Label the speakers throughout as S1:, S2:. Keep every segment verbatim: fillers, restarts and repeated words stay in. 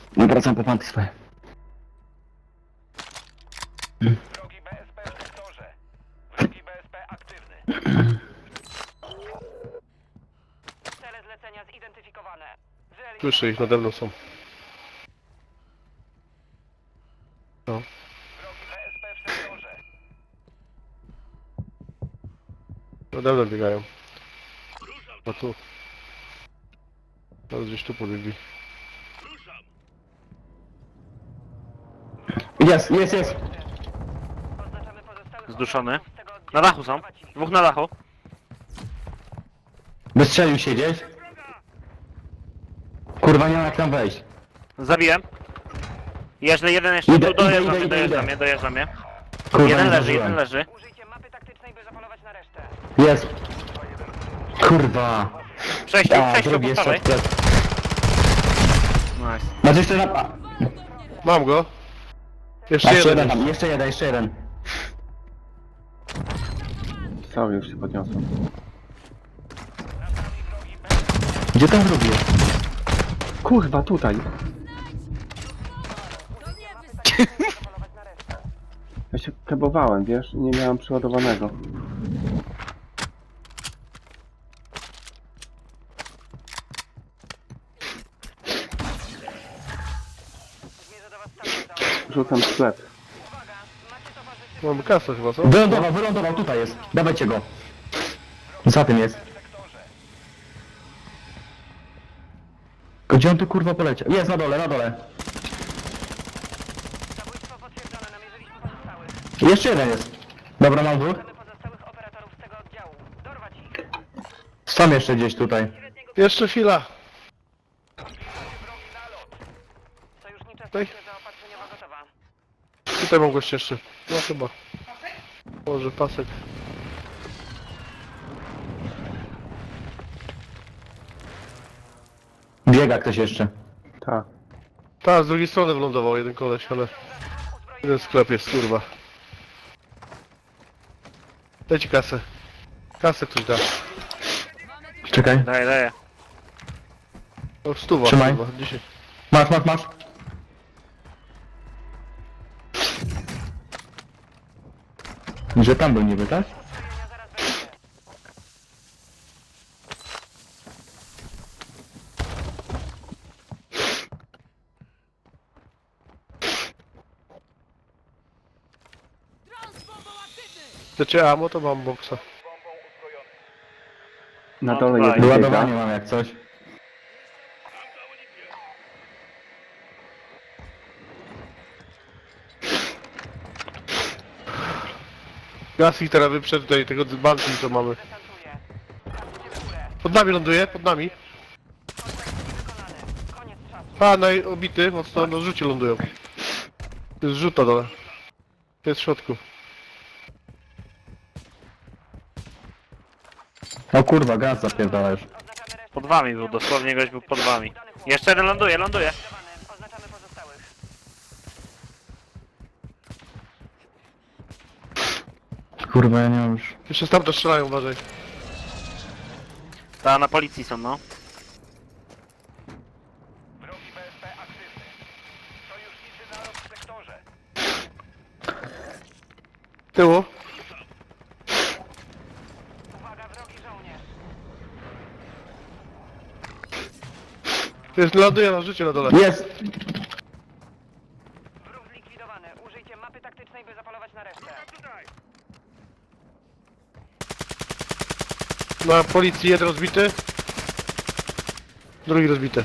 S1: No wracam po panty swoje.
S2: Wrogi B S P w sektorze. Wrogi B S P aktywny.
S3: Cele zlecenia zidentyfikowane. Wyeliminować
S4: Słyszę ich, nade mną są. No.
S2: Wrogi B S P w sektorze.
S4: Nade mną biegają. No tu. Teraz gdzieś tu pobiegli.
S1: Jest, jest, jest.
S3: Oznaczamy pozostałych
S5: Zduszony.
S3: operatorów z tego oddziału.
S5: Na dachu są.
S3: Prowadź ich.
S5: Dwóch na dachu.
S1: Wystrzelił się gdzieś. Kurwa, nie ma jak tam wejść.
S5: Zabiłem. Jeszcze jeden jeszcze
S1: Idę,
S5: tu dojeżdża
S1: idę,
S5: mnie,
S1: idę,
S5: dojeżdża
S1: idę.
S5: mnie, dojeżdża mnie.
S1: Kurwa,
S5: Jeden
S1: nie
S5: leży,
S1: zdążyłem.
S5: jeden leży.
S3: Użyjcie mapy taktycznej, by zapolować na resztę.
S1: Jest. Kurwa.
S5: Przejście,
S1: A,
S5: przejście
S1: drugi
S5: po
S1: jeszcze
S5: prawej.
S1: odplet.
S5: Nice.
S1: Masz jeszcze na... a,
S4: Mam go. Jeszcze
S1: Jeszcze
S4: jeden.
S1: jeden tam, jeszcze jeden, jeszcze jeden.
S6: Cały już się podniosłem.
S1: Gdzie ten drugi jest?
S6: Kurwa, tutaj!
S3: Zapolować na resztę.
S6: Ja się kebowałem, wiesz? Nie miałem przeładowanego.
S3: Zmierzę do was standardowo.
S6: Rzucam sklep.
S3: Uwaga, macie towarzystwo.
S4: Mamy kasę chyba, co?
S1: Wylądował, wylądował, tutaj jest. Dawajcie go. Za tym jest. Gdzie on tu kurwa poleciał? Jest na dole, na dole.
S3: Zabójstwo potwierdzone, namierzyliśmy pozostałych.
S1: Jeszcze jeden jest. Dobra, mam dwóch.
S3: Mamy pozostałych operatorów z tego oddziału. Dorwać ich.
S1: Są jeszcze gdzieś tutaj.
S4: Jeszcze chwila.
S3: Sojusznicza
S4: Ej.
S3: stacja zaopatrzeniowa gotowa.
S4: Tutaj mam gość jeszcze. No chyba. Może pasek.
S1: Biega ktoś jeszcze.
S6: Tak.
S4: Tak, z drugiej strony wylądował jeden koleś, ale... Jeden sklep jest, kurwa. Dajcie kasę. Kasę ktoś da.
S1: Czekaj.
S5: Daję, daję.
S4: O, stuwa,
S1: Trzymaj.
S4: kurwa, dzisiaj.
S1: Masz, masz, masz. Że tam był niby, tak?
S3: Uzbrojenia zaraz będzie.
S4: Chcecie ammo, to mam boksa.
S6: Na
S5: No,
S6: dole
S5: tutaj.
S6: jeden biega.
S1: Wyładowanie mam jak coś.
S4: Gaz ich teraz wyprzedł tutaj, tego banki co mamy.
S3: Desantuję. Patrzcie w górę.
S4: Pod nami ląduje, pod nami.
S3: Kontakt wykonany. Koniec czasu.
S4: A, naj obity, mocno, no rzucie lądują. To jest rzut na dole. To jest w środku.
S1: O kurwa, gaz zapierdala już.
S3: Oznaczamy resztę.
S5: Pod wami był, dosłownie gość był pod wami. Jeszcze jeden ląduje, ląduje.
S3: Zlikwidowany. Oznaczamy pozostałych.
S1: Kurwa, ja nie mam już.
S4: Jeszcze stamtąd strzelają, uważaj.
S5: Ta na policji są, no.
S2: Wrogi B S P aktywny. Sojusznicy naród w sektorze.
S4: Tyłu.
S3: Uwaga, wrogi żołnierz.
S4: To jest, ląduje na życie na dole.
S1: Jest!
S3: Wróg zlikwidowany. Użyjcie mapy taktycznej, by zapolować na resztę.
S4: Na policji jeden rozbity. Drugi rozbity.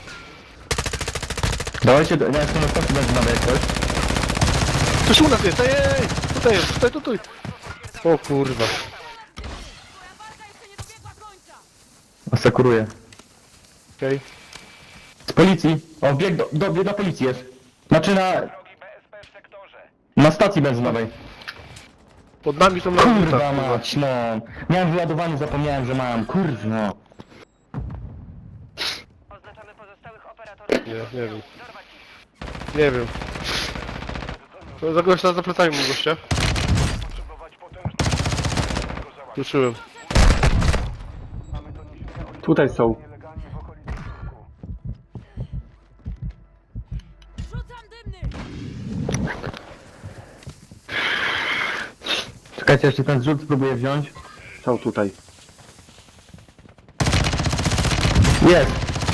S1: Dawajcie, do... ja jestem na stacji benzynowej jak coś.
S4: Coś u nas jest, ej, ej, ej. Tutaj jest, tutaj, tutaj. O kurwa.
S1: Asekuruję.
S4: Okej.
S1: Z policji. O, bieg do, do, bieg do policji jest. Znaczy na...
S2: Wrogi B S P w sektorze.
S1: na stacji benzynowej.
S4: Pod nami są na
S1: Kurwa
S4: kurwa.
S1: mać, no. Miałem wyładowanie, zapomniałem, że mam. Kurwa.
S3: Oznaczamy pozostałych operatorów.
S4: Nie, nie wiem.
S3: Dorwać ich.
S4: Nie wiem. To za gościa za plecami mam gościa.
S2: Potrzebować potężnego załatwienia.
S4: Ruszyłem.
S2: Mamy doniesienia o
S6: Tutaj są.
S2: nielegalnie w okolicy skutku.
S1: Czekajcie, jeszcze ten zrzut spróbuję wziąć.
S6: Są tutaj.
S1: Jest!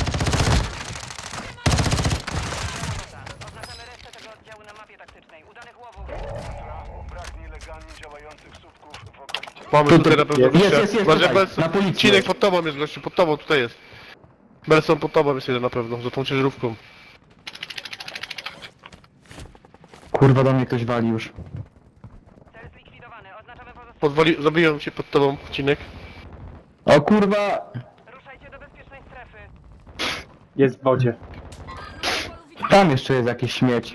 S3: Oznaczamy resztę tego oddziału na mapie taktycznej. Udanych łowów.
S2: Brak nielegalnie działających słupków w okolicy.
S4: Mamy
S1: Tu,
S4: tutaj
S1: tu,
S4: na pewno
S1: jest,
S4: gościa.
S1: jest, jest,
S4: Uważaj,
S1: tutaj,
S4: Belson.
S1: na policji.
S4: Cinek pod tobą jest gościu, pod tobą tutaj jest. Belson pod tobą jest jeden na pewno, za tą ciężarówką.
S1: Kurwa, do mnie ktoś wali już.
S3: Cel zlikwidowany. Oznaczamy pozostałych.
S4: Podwali... Zabiłem cię pod tobą, Cinek.
S1: O kurwa!
S3: Ruszajcie do bezpiecznej strefy.
S6: Jest w wodzie.
S1: Tam jeszcze jest jakiś śmieć.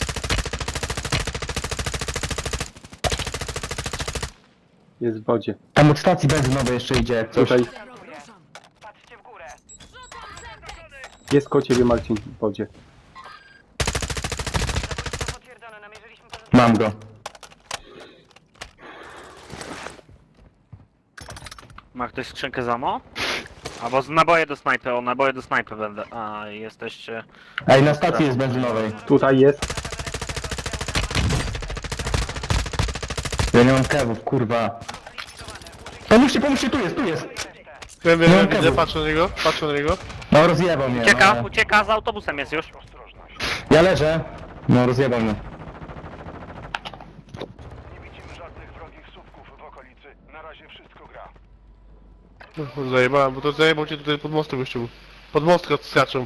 S6: Jest w wodzie.
S1: Tam od stacji benzynowej jeszcze idzie jak coś.
S6: Tutaj.
S3: Patrzcie w górę.
S6: Jest koło ciebie, Marcin, w wodzie.
S3: Zabójstwo potwierdzone. Namierzyliśmy pozostałych.
S1: Mam go.
S5: Ma ktoś skrzynkę z ammo? Albo z naboje do snajpy, o naboje do snajpy będę. A, jesteście...
S1: Ej, na stacji jest benzynowej.
S6: Tutaj jest.
S1: Ja nie mam kewów, kurwa. Pomóżcie, pomóżcie, tu jest, tu jest!
S4: Wiem, wiem,
S1: No,
S4: wiem, widzę,
S1: Kevin.
S4: patrzę na niego, patrzę na niego.
S1: No rozjebał mnie.
S5: Ucieka,
S1: No.
S5: ucieka, z autobusem jest już.
S1: Ja leżę. No rozjebał mnie.
S2: Nie widzimy żadnych wrogich słupków w okolicy. Na razie wszystko gra.
S4: No, zajebałem, bo to zajebał cię tutaj pod mostem gościu. Pod mostka skaczą.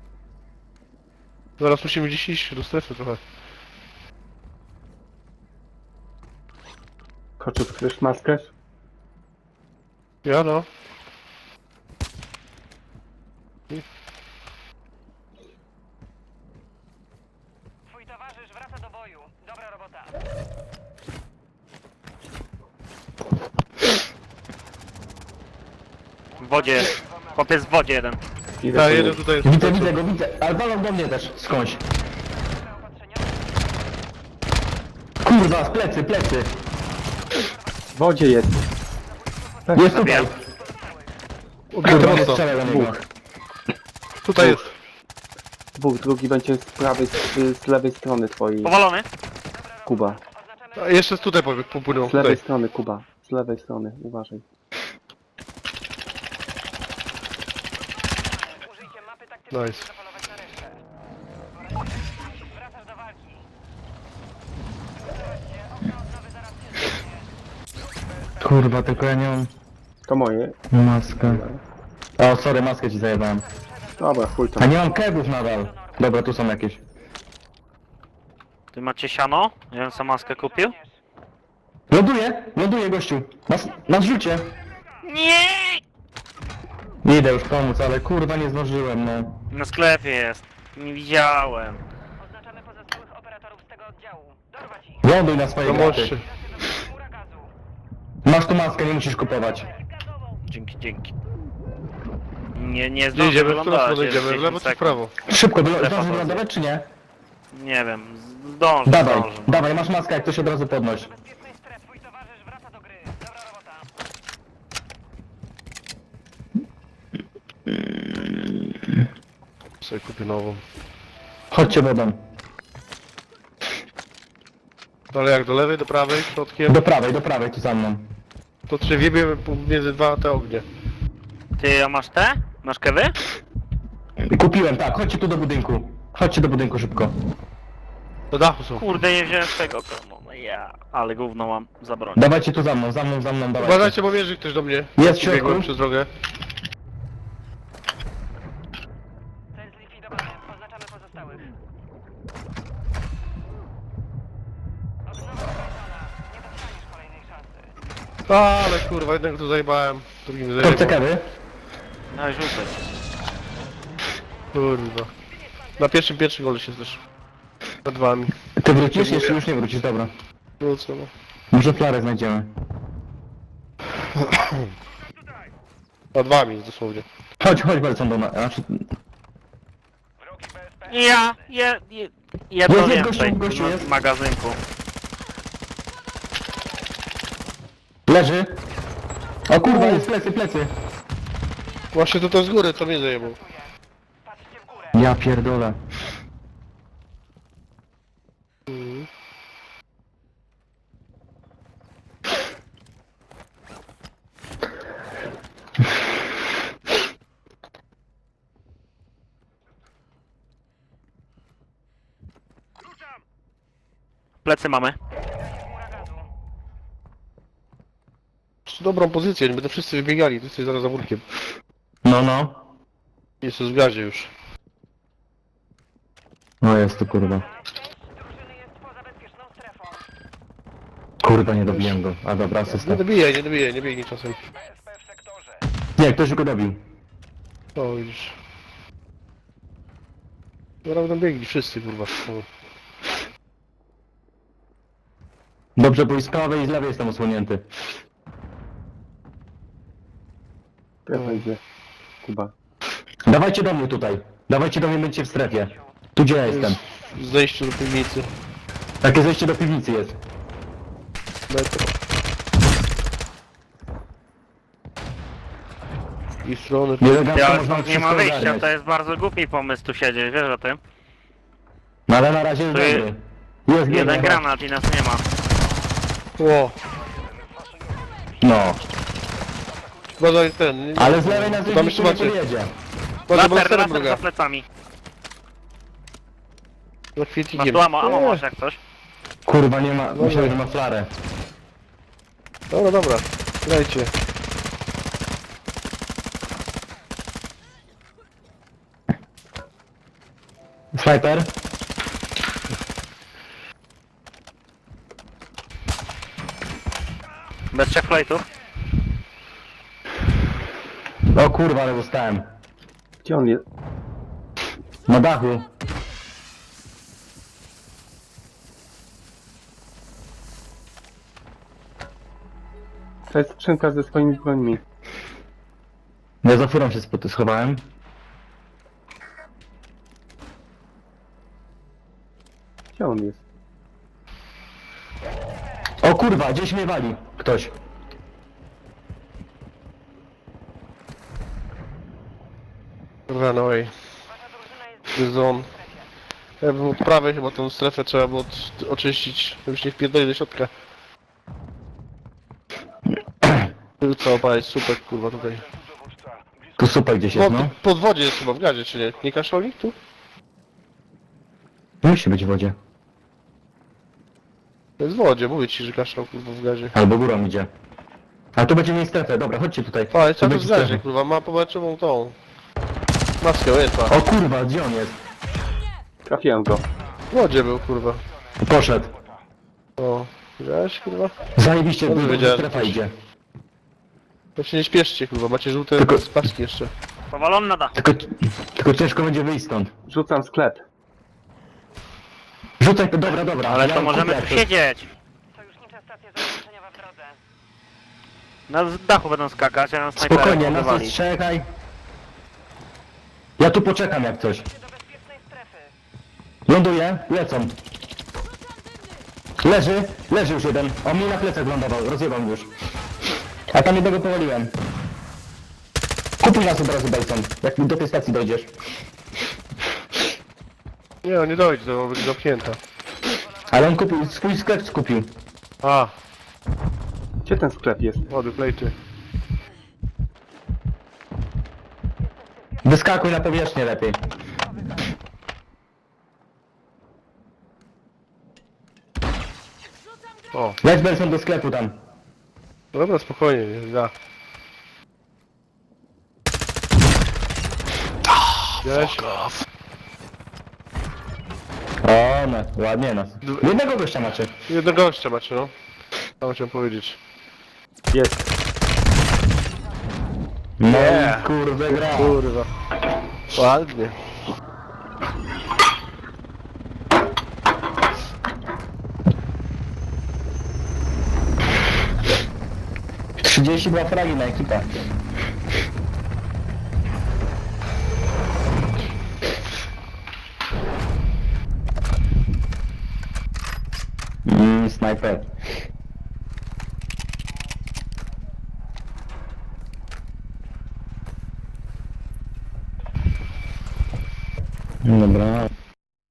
S4: Zaraz musimy gdzieś iść do strefy trochę.
S6: Koczu, chcesz maskę?
S4: Ja no.
S3: Twój towarzysz wraca do boju. Dobra robota.
S5: W wodzie jest. Chłopiec w wodzie jeden.
S6: Idę
S4: Tak,
S6: po
S4: jeden
S6: niego.
S4: tutaj jest.
S1: Widzę, widzę go, widzę. Ale walą do mnie też, skądś.
S3: Zaopatrzenia.
S1: Kurwa, z plecy, plecy.
S6: W wodzie jest.
S1: Jest tutaj.
S5: Zabijam.
S4: Ubity
S1: Kurwa, nie
S4: mocno.
S1: strzelaj do niego.
S4: Tutaj jest.
S6: Dwóch, drugi będzie z prawej, z, z lewej strony twojej.
S5: Powalony?
S6: Kuba.
S3: Oznaczamy
S4: A jeszcze z tutaj powie- popłynął.
S6: Z lewej
S4: Tutaj.
S6: strony, Kuba. Z lewej strony, uważaj.
S3: Użyjcie mapy taktycznej,
S4: Nice.
S3: by zapolować na resztę. Wracasz do walki. Zobaczcie, okno odnowy zaraz się zamknie.
S1: Kurwa, tylko ja nie mam
S6: To moje.
S1: maskę. O, sorry, maskę ci zajebałem.
S6: Dobra, chuj to.
S1: A nie mam kewów nadal. Dobra, tu są jakieś.
S5: Ty macie siano? Ja bym sam maskę kupił.
S1: Ląduję, ląduję gościu. Na, s- na zrzucie.
S5: Nie!
S1: Idę już pomóc, ale kurwa nie zdążyłem, no.
S5: Na sklepie jest. Nie widziałem.
S3: Oznaczamy pozostałych operatorów z tego oddziału. Dorwać ich.
S1: Ląduj na swojej
S4: Pomóżcie.
S1: graty.
S3: Chmura gazu.
S1: Masz tu maskę, nie musisz kupować.
S5: Dzięki, dzięki. Nie, nie
S4: Gdzie
S5: zdążę
S4: idziemy? W którą
S5: wylądować.
S4: stronę
S5: jest
S4: idziemy? W
S5: dziesięć
S4: lewo czy w
S5: sekund.
S4: prawo?
S1: Szybko, wylo-
S5: Strefa
S1: zdążysz
S5: poza.
S1: wylądować czy nie?
S5: Nie wiem, z- zdążę,
S1: Dawaj,
S5: zdążę.
S1: dawaj, masz maskę, jak ktoś od razu podnoś.
S3: Bezpiecznej strefy. Twój towarzysz wraca do gry. Dobra robota.
S4: Sobie kupię nową.
S1: Chodźcie wodą.
S4: Ale jak do lewej, do prawej, środkiem,
S1: Do prawej, do prawej, tu za mną.
S4: to czy wiebiemy między dwa te ognie.
S5: Ty, a masz te? Masz kewy?
S1: Kupiłem, tak, chodźcie tu do budynku. Chodźcie do budynku szybko.
S4: Do dachu są.
S5: Kurde, nie wziąłem tego. No ja, ale gówno mam za broń.
S1: Dawajcie tu za mną, za mną, za mną, dawajcie.
S4: Uważajcie, bo mierzy ktoś do mnie.
S1: Jest w środku.
S4: Biegłem przez drogę.
S3: Cel zlikwidowany. Oznaczamy pozostałych. Odnowa skończona. Nie dostaniesz kolejnej szansy.
S4: A, ale kurwa, jednego tu zajebałem, drugim
S1: Kto chce
S4: zajebałem.
S1: kewy?
S5: No rzucę.
S4: Kurwa. Na pierwszym, pierwszym gole się też. Nad wami.
S1: Ty wrócisz? Jeszcze już nie wrócisz, dobra.
S4: Wrócę, no.
S1: Może flarę znajdziemy.
S4: Nad wami dosłownie.
S1: Chodź, chodź Belson do nas. Znaczy,
S2: Wrogi B S P.
S5: Ja, je, je, jedno
S1: Jest, jest,
S5: więcej
S1: gościu, gościu
S5: na
S1: jest.
S5: magazynku.
S1: leży. O kurwa, jest plecy, plecy.
S4: Właśnie to to z góry, co mnie zajebał.
S3: Patrzcie w górę.
S1: Ja pierdolę.
S4: Mhm.
S5: Plecy mamy.
S3: Chmura gazu.
S4: Masz dobrą pozycję, nie będą wszyscy wybiegali, ty jesteś zaraz za murkiem.
S1: No, no.
S4: Jest w gazie już.
S1: No jest to kurwa.
S3: Część drużyny jest poza bezpieczną strefą.
S1: Kurwa, nie dobiłem go. A dobra,
S4: Nie
S1: asysta.
S4: dobijaj, nie dobijaj, nie biegnij czasem.
S2: B S P w sektorze.
S1: Nie, ktoś go dobił.
S4: O, widzisz. Dobra, będą biegli wszyscy, kurwa. O.
S1: Dobrze, bo i z prawej i z lewej jestem osłonięty.
S6: Prawo idzie. Kuba.
S1: Dawajcie do mnie tutaj. Dawajcie do mnie, będziecie w strefie. Tu gdzie ja jestem.
S4: W zejściu do piwnicy.
S1: Takie zejście do piwnicy jest.
S4: Metro. I strony.
S1: Elegancko
S5: Ja,
S1: można
S5: nie
S1: wszystko
S5: ma wyjścia,
S1: ogarniać.
S5: to jest bardzo głupi pomysł tu siedzieć, wiesz o tym?
S1: No ale na razie jest
S5: Tu je-
S1: dobry. Jest
S5: Jeden
S1: biegnie.
S5: granat i nas nie ma.
S4: Ło,
S1: No.
S4: badaj ten. Nie,
S1: Ale z lewej na
S4: Tam
S1: zejście
S4: jeszcze
S1: nie
S4: macie.
S1: podjedzie.
S4: Badaj
S5: Laser,
S4: blasterem
S5: laser
S4: wroga.
S5: za plecami.
S4: Za
S5: Masz
S4: kwietnikiem.
S5: tu amo, amo
S4: Nie.
S5: masz jak coś.
S1: Kurwa, nie ma. Myślałem, że ma flarę.
S4: Dobra, dobra. Lejcie.
S1: Sniper.
S5: Bez trzech flightów.
S1: O kurwa, ale dostałem.
S6: Gdzie on jest?
S1: Na dachu.
S6: To jest skrzynka ze swoimi brońmi.
S1: Ja za furą się spod- schowałem.
S6: Gdzie on jest?
S1: O kurwa, gdzieś mnie wali. Ktoś.
S4: Runaway.
S3: Wasza drużyna jest
S4: To jest on. Ja bym od prawej chyba tą strefę trzeba było od, oczyścić, żeby się nie wpierdoli do środka. Co opalić, super kurwa tutaj.
S2: Dowódca. Blisko
S1: Tu super gdzieś
S4: No,
S1: jest,
S4: tu
S1: no.
S4: pod wodzie jest chyba w gazie, czy nie? Nie kaszoli tu?
S1: Musi być w wodzie.
S4: To jest w wodzie, mówię ci, że kaszał kurwa w gazie.
S1: Albo górą idzie. A tu będzie mieć strefę, dobra, chodźcie tutaj.
S4: A, jest
S1: Tu
S4: cały
S1: będzie
S4: czas w gazie
S1: strefa.
S4: kurwa, ma pomarańczową tą. Maskę, jest ma.
S1: O kurwa, gdzie on jest?
S6: Trafiłem go.
S4: W wodzie był kurwa.
S1: Poszedł.
S4: O, widziałeś kurwa?
S1: Zajebiście,
S4: Dobrze
S1: dużo
S4: wiedziałem,
S1: strefa
S4: że-
S1: idzie.
S4: To się nie śpieszcie kurwa, macie żółte
S1: Tylko-
S4: paski jeszcze.
S5: Powalony na dachu.
S1: Tylko, tylko ciężko będzie wyjść stąd.
S6: Rzucam sklep.
S1: Rzucaj to, dobra, dobra.
S5: Ale
S1: ja
S5: to możemy
S1: kupię
S5: tu
S1: jak coś.
S5: siedzieć.
S3: sojusznicza stacja zabezpieczeniowa w drodze.
S5: Na z dachu będą skakać, a na snajperę
S1: Spokojnie, nas
S5: wywali.
S1: ostrzegaj. Ja tu poczekam jak coś.
S3: Do bezpiecznej strefy.
S1: Ląduję, lecą. Leży, leży już jeden. On mi na plecach lądował, rozjebał już. A tam jednego powaliłem. Kupuj nas od razu, Bejson, jak do tej stacji dojdziesz.
S4: Nie, on nie dojdzie, to będzie zamknięta.
S1: Ale on kupił, swój sklep skupił.
S4: A,
S6: Gdzie ten sklep jest?
S4: wody, plejty.
S1: Wyskakuj na powierzchnię lepiej.
S4: O,
S1: Leć Benson do sklepu tam.
S4: dobra, spokojnie, nie da. Widziałeś?
S1: O, no, ładnie nas. Jednego gościa macie.
S4: Jednego gościa macie, no. Co chciałem powiedzieć.
S6: Jest.
S1: No
S4: Nie.
S1: i kurde gra.
S4: Kurwa. Ładnie.
S1: trzydzieści dwa fragi na ekipę. Mmm, snajper. Dobra.